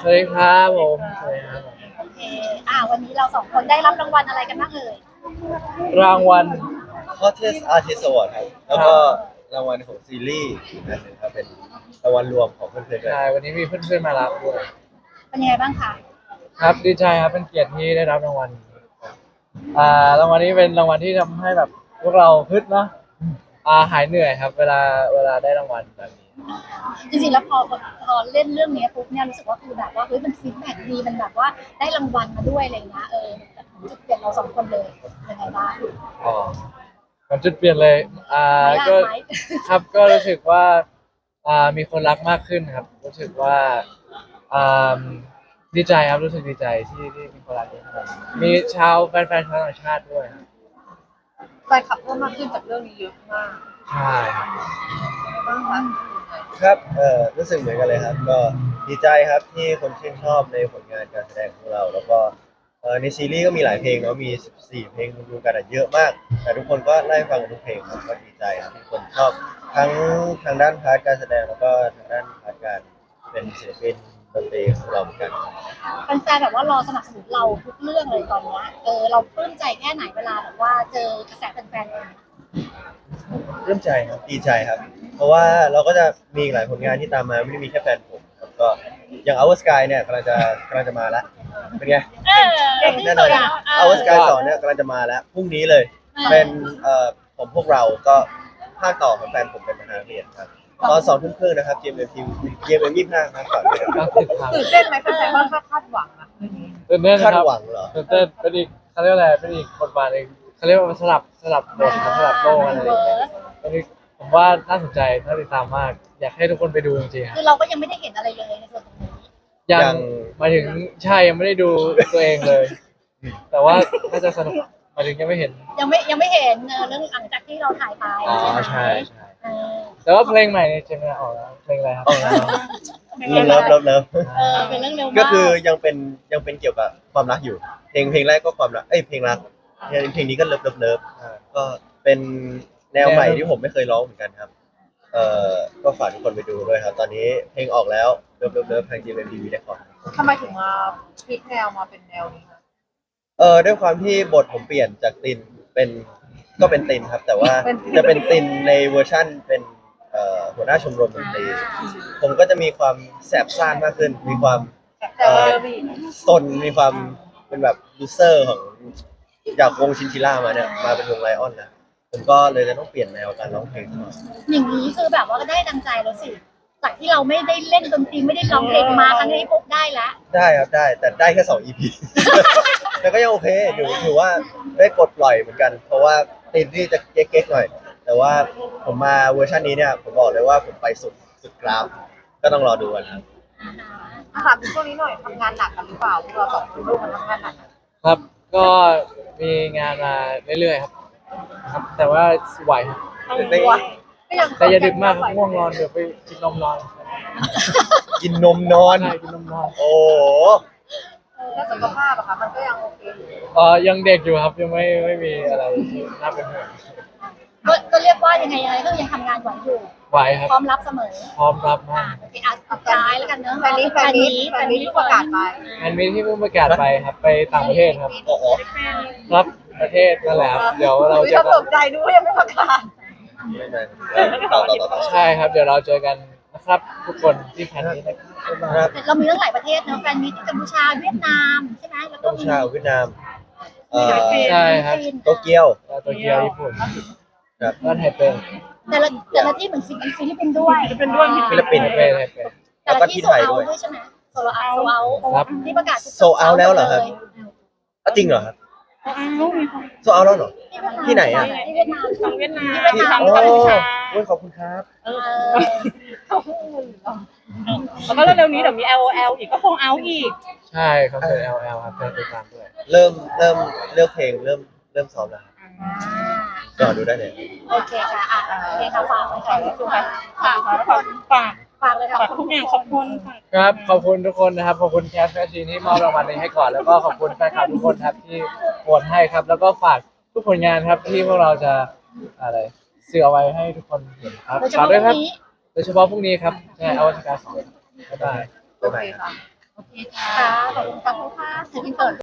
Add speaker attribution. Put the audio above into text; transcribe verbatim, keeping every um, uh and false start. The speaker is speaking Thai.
Speaker 1: สวัสดีครับผมสวัสดีครับผม
Speaker 2: โอเคอ่าวันนี้เราสองคนได้รับรางวัลอะไรกันบ้างเอ่ย
Speaker 1: รางวัล
Speaker 3: Hottest Artist Award ครับแล้วก็รางวัลของซีรีส์อีกอันหนึ่งครับเป็นรางวัลรวมของเพื่อนๆด้วย
Speaker 1: ใช่วันนี้มีเพื่อนๆมารับด้วย
Speaker 2: เป็นยังไงบ้างคะ
Speaker 1: ครับดีใจครับเป็นเกียรติที่ได้รับรางวัลนี้อ่ารางวัลนี้เป็นรางวัลที่ทำให้แบบพวกเราฮึดเนาะอ่าหายเหนื่อยครับเวลาเวลาได้รางวัลแบบนี้
Speaker 2: จริงๆแล้วพอพอเล่นเรื่องนี้ปุ๊บเนี่ยรู้สึกว่าคือแบบว่าเฮ้ยมันฟีดแบ็กดีมันแบบว่าได้รางวัลมาด้วยอะไรเงี้ยเออแบบจุดเปลี่ยนเราสองคนเลยยังไงบ้าง
Speaker 1: อ๋อมันจุดเปลี่ยนเลยอ่า
Speaker 2: ไม่ล่ะ
Speaker 1: ก็
Speaker 2: ไหม
Speaker 1: ครับก็รู้สึกว่าอ่ามีคนรักมากขึ้นครับรู้สึกว่าอ่าดีใจครับรู้สึกดีใจที่ที่มีคนรักเยอะขนาดนี้มีชาวแฟนๆชาวต่างชาติด้วยครับ
Speaker 4: แฟนคลับเพิ่มมากขึ้นจากเรื่องนี้เยอะมาก
Speaker 1: ใช่ครับ
Speaker 4: บ้างคะ
Speaker 3: ครับเอ่อรู้สึกเหมือนกันเลยครับก็ดีใจครับที่คนชื่นชอบในผลงานการแสดงของเราแล้วก็เอ่อในซีรีส์ก็มีหลายเพลงเนาะมีสิบสี่เพลงรวมๆกันอะเยอะมากแต่ทุกคนก็ไล่ฟังทุกเพลงครับก็ดีใจครับที่คนชอบทั้งทางด้านพาร์ทการแสดงแล้วก็ทางด้านพาร์ทการเป็นศิลปินดนตรีของเราเหมือนกัน
Speaker 2: แฟนๆแบบว่ารอสนับสนุนเราทุกเรื่องเลยตอนเนี้ยเออเราปลื้มใจแค่ไหนเวลาแบบว่าเจอกระแสแฟนๆเอง
Speaker 3: เริ่มใจครับดีใจครับ เพราะว่าเราก็จะมีอีกหลายผลงานที่ตามมาไม่ได้มีแค่แฟนผมครับก็อย่าง Our Sky เนี่ยกำลังจะกำลังจะมาแล้วเป็นไง
Speaker 2: เออเก่งที่
Speaker 3: แน่น
Speaker 2: สุ
Speaker 3: อน
Speaker 2: ดอ่ะเออ
Speaker 3: Our Sky สองเนี่ยกำลังจะมาแล้วพรุ่งนี้เลย เป็นเอ่อผมพวกเราก็ภาคต่อของแฟนผมเป็นประธานนักเรียนครับตอนสองทุ่มครึ่งนะครับ จี เอ็ม เอ็ม ที วี จี เอ็ม เอ็ม ยี่สิบห้าครับฝากด้วยครับ
Speaker 1: ก็ติดตาม
Speaker 4: ตื่นเต้นไหมแฟนๆว่าคาดคาดหวังอะเรื่องนี้
Speaker 1: ตื่นเต้นค
Speaker 3: คาด
Speaker 1: รับ
Speaker 3: หวังเหรอ
Speaker 1: ตื่นเต้นเป็นอีกเขาเรียกว่าอะไรเป็นอีกบทบาทเองเขาเรียกว่ามันสลับสลับบทสลับโลกอะไรอย่างเงี้ยอันนี้ผมว่าน่าสนใจน่าติดตามมาก อยากให้ทุกคนไปดูจริงๆครับ
Speaker 2: คือเราก็ยังไม่ได้เห็นอะไรเลยในส่วนตรงนี้
Speaker 1: ยั
Speaker 3: ยัง ง
Speaker 1: หมายถึงใช่ยังไม่ได้ดูตัวเองเลย แต่ว่าน่าจะสนุกหมายถึงยังไม่เห็น
Speaker 2: ยังไม่ยังไม่เห็นเออเรื่องหลังจากที่เราถ่ายไป
Speaker 1: อ๋อ
Speaker 2: ไหม
Speaker 1: ใช่ใช่
Speaker 2: เออ
Speaker 1: แต่ว่าเพลงใหม่ในเจมินาออกแล้วเพลงอะไรครับ
Speaker 3: ออกแล้ว เลิฟเลิฟเลิฟ
Speaker 2: เออเป็นเรื่องเร็วมาก
Speaker 3: ก็คือยังเป็นยังเป็นเกี่ยวกับความรักอยู่ เพลงเพลงแรกก็ความรักเอ้ยเพลงรักเพลงนี้ก็เลิฟเลิฟเลิฟก็เป็นแนวใหม่ที่ผมไม่เคยร้องเหมือนกันครับเอ่อก็ฝากทุกคนไปดูด้วยครับ ตอนนี้เพลงออกแล้วเลิฟเลิฟเลิฟทาง จี เอ็ม ที วี ได้ก่อน
Speaker 4: ทำไมถึงมาพลิกแนวมาเป็นแนวนี้คะ
Speaker 3: เออด้วยความที่บทผมเปลี่ยนจากตินเป็นก็เป็นตินครับ แต่ว่าจะเป็นตินในเวอร์ชั่นเป็นเอ่อหัวหน้าชมรมดนตรีผมก็จะมีความแสบซ่านมากขึ้น มีความ
Speaker 4: แต่ว่าเรื่องนี้
Speaker 3: ซนมีความเป็นแบบยูเซอร์ของจากวงชินชิล่ามาเนี่ยมาเป็นวงไลออนนะผมก็เลยจะต้องเปลี่ยนแนวการร้องเพลงซะหน่อย
Speaker 2: อย่างนี้คือแบบว่าก็ได้ดังใจแล้วสิจากที่เราไม่ได้เล่นดนตรีไม่ได้ร้องเพลงมาครั้งนี้ปุ๊บได้แล้ว
Speaker 3: ได้ครับได้แต่ได้แค่สอง อี พี แต่ก็ยังโอเคถือถือว่าได้ปลดปล่อยเหมือนกัน เพราะว่าตินที่จะเก๊กๆหน่อย แต่ว่าผมมาเวอร์ชันนี้เนี่ยผมบอกเลยว่าผมไปสุดสุดกราฟก็ต้องรอดูกันครับ
Speaker 4: ถามถึงช่วงนี้หน่อยทำงานหนักกันหรือเปล่าพวกเราสองคนร่วมกันทำงานหนักอะ
Speaker 1: ครับก็มีงานมาเรื่อยๆครับ ครับ แต่ว่าไหวครับ
Speaker 3: ไม่
Speaker 4: ก็ยัง
Speaker 1: แต่อย่าดึกมากครับง่วงนอนเดี๋ยวไปกินนมนอน
Speaker 3: กินนมนอน
Speaker 1: ใช่กินนมนอน
Speaker 3: โอ้โห
Speaker 4: แล้วสุขภาพอะคะมันก็ยังโอเคอยู่
Speaker 1: เออยังเด็กอยู่ครับยังไม่ไม่มีอะไรที่น่าเป็นห่วง
Speaker 2: ก็ก็เรียกว่ายังไงยังไงก็ยังทำงานไหวอยู่
Speaker 1: ไหวครับ
Speaker 2: พร้อมรับเสมอ
Speaker 1: พร้อมรับ
Speaker 2: อ่า
Speaker 1: มาก
Speaker 2: โอเคอ่ะสุดท้ายแล้วกันเนอะ
Speaker 4: แฟนนี้แฟนนี้แฟนนี้ที่ประกาศไป
Speaker 1: งานมีที่เพิ่งประกาศไปครับไปต่างประเทศครับ
Speaker 3: โอ้โห
Speaker 1: ครับประเทศนั่นแหละครับเดี๋ยวเรา
Speaker 4: อุ๊ย
Speaker 1: เจอ
Speaker 4: เรา
Speaker 1: กั
Speaker 4: ต
Speaker 1: น
Speaker 4: กใจดูว่ายังไม่ประกาศ
Speaker 3: ไม่ไม่ต่อต่อต่อต่อ
Speaker 1: ใช่ครับเดี๋ยวเราเจอกันนะครับ ทุกคนที่แพนนี้นะครับ
Speaker 2: เรามีตั้งหลายประเทศเนอะแฟนมีที่กัมพูชาเวียดนามใช่ไหมแล้วก็
Speaker 3: กัมพู
Speaker 2: มี
Speaker 3: ชาเวียดนามเอ่อ
Speaker 1: ใช่ครับ
Speaker 3: โตเกียว
Speaker 1: แล้วโตเกียวญี่ปุ่น
Speaker 3: ครับ
Speaker 1: แล้วไทเป
Speaker 2: แต่ละแต่ละที่เหมือนฟิลิปปินส์ด้วยฟิลิปปินส์ด้วย
Speaker 3: ฟิลิปปินส์
Speaker 1: ไทเปไทเป
Speaker 2: แต่ละที่โซเอาด้วยใช่ไหมโซเอาโซเอา
Speaker 1: ครับ
Speaker 2: ที่ประกาศ
Speaker 3: โซเอาแล้วเหรอครับ อ่ะจริงเหรอครับโซเอาแล้วเหรอ ที่ไหนอ่ะ
Speaker 2: ที่เวียดนาม
Speaker 5: ของเวียดนาม
Speaker 2: ที่เวียดนาม
Speaker 3: โอ้
Speaker 2: กัมพูชา
Speaker 3: โอ้ยขอบคุณครับ
Speaker 2: เออ
Speaker 5: แล้วก็เร็วๆนี้เดี๋ยวมี แอล โอ แอล อีกก็คงเอาอีก
Speaker 1: ใช่คอนเสิร์ต แอล แอล ครับเป็นติดตามด้วย
Speaker 3: เริ่มเริ่มเลือกเพลงเริ่มเริ่มซ้อมแล้วครับก็ดูได้เลย
Speaker 2: โอเคค่ะอ่ะโอเคค่ะฝากเลยค่ะ
Speaker 5: ฝากฝากฝากฝาก
Speaker 2: ฝากเลยค่ะ
Speaker 5: ฝากทุกอย่างขอบคุณค่ะ
Speaker 1: ครับขอบคุณทุกคนนะครับขอบคุณแคสแฟชชีนที่มอบรางวัลนี้ให้ก่อนแล้วก็ขอบคุณแฟนคลับทุกคนครับที่โหวตให้ครับ แล้วก็ฝากทุกผลงานครับที่พวกเราจะอะไรสื่อเอาไว้ให้ทุกคนเห็นครับ
Speaker 2: โดยเฉ
Speaker 1: ฝาก
Speaker 2: พาะ
Speaker 1: ด้วย
Speaker 2: วั
Speaker 1: ครับ
Speaker 2: นนี้
Speaker 1: โดยเฉพาะพรุ่งนี้ครับใช่อวสการสองบ๊ายบาย
Speaker 4: โอเคค่ะ
Speaker 2: โอเคค่ะขอบคุณค่ะผู้ค่ะอินเสิร์ต